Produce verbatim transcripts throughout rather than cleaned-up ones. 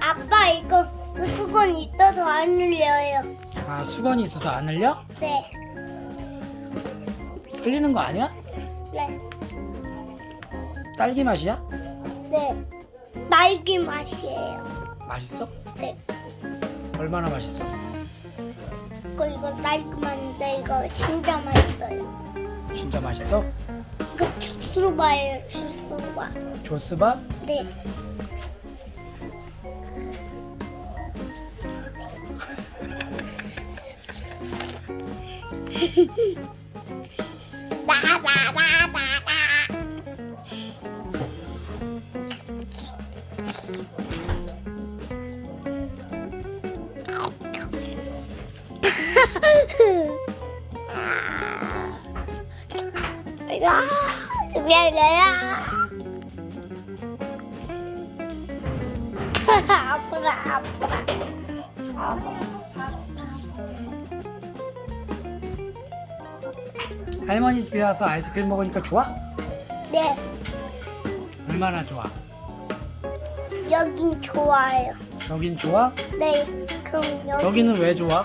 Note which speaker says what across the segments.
Speaker 1: 아빠 이거 수건 있어서 안 흘려요.
Speaker 2: 아, 수건이 있어서 안 흘려?
Speaker 1: 네.
Speaker 2: 흘리는 거 아니야?
Speaker 1: 네.
Speaker 2: 딸기 맛이야?
Speaker 1: 네. 딸기 맛이에요.
Speaker 2: 맛있어?
Speaker 1: 네.
Speaker 2: 얼마나 맛있어?
Speaker 1: 이거 이거 딸기 맛인데 이거 진짜 맛있어요.
Speaker 2: 진짜 맛있어?
Speaker 1: 이거 주스바예요. 주스바.
Speaker 2: 조스바?
Speaker 1: 네. 나나나나나. 이거 미안해요. 아프다 아프다.
Speaker 2: 할머니 집에 와서 아이스크림 먹으니까 좋아?
Speaker 1: 네.
Speaker 2: 얼마나 좋아?
Speaker 1: 여긴 좋아요.
Speaker 2: 여긴 좋아?
Speaker 1: 네. 그럼 여기
Speaker 2: 여기는 왜 좋아?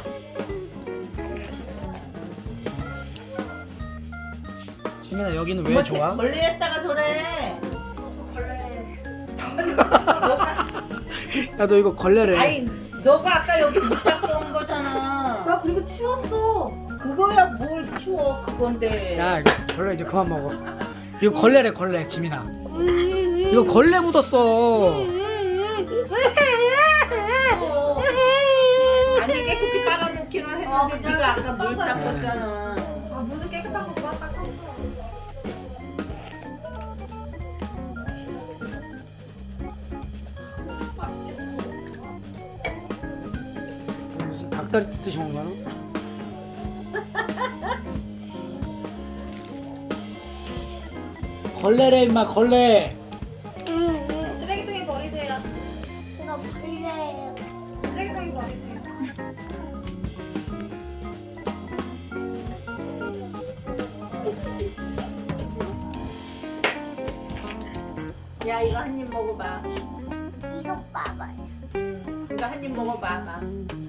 Speaker 2: 지민아, 여기는 왜 좋아?
Speaker 3: 걸레에다가 저래.
Speaker 2: 야, 너 이거 걸레래.
Speaker 3: 아니, 너가 아까 여기 못 닦고 온 거잖아.
Speaker 4: 나 그리고 치웠어.
Speaker 3: 그거야 뭘 치워 그건데.
Speaker 2: 야, 이거 걸레 이제 그만 먹어. 이거 걸레래, 걸레, 지민아.
Speaker 1: 음.
Speaker 2: 이거 걸레 묻었어.
Speaker 3: 아니 깨끗이 빨아놓기는 했는데
Speaker 4: 아, 그냥
Speaker 3: 네가 아까 물
Speaker 4: 닦은 거야.
Speaker 3: 닦았잖아.
Speaker 4: 아, 문도 깨끗하고 그만 닦았어.
Speaker 2: 무슨 닭다리 뜯듯이 먹는 거야? 걸레래, 임마, 걸레.
Speaker 1: 음.
Speaker 4: 쓰레기통에 버리세요.
Speaker 1: 이거 벌레예요.
Speaker 4: 쓰레기통에 버리세요.
Speaker 3: 야 이거 한 입 먹어봐.
Speaker 1: 이거 봐봐요.
Speaker 3: 이거 한 입 먹어봐. 봐.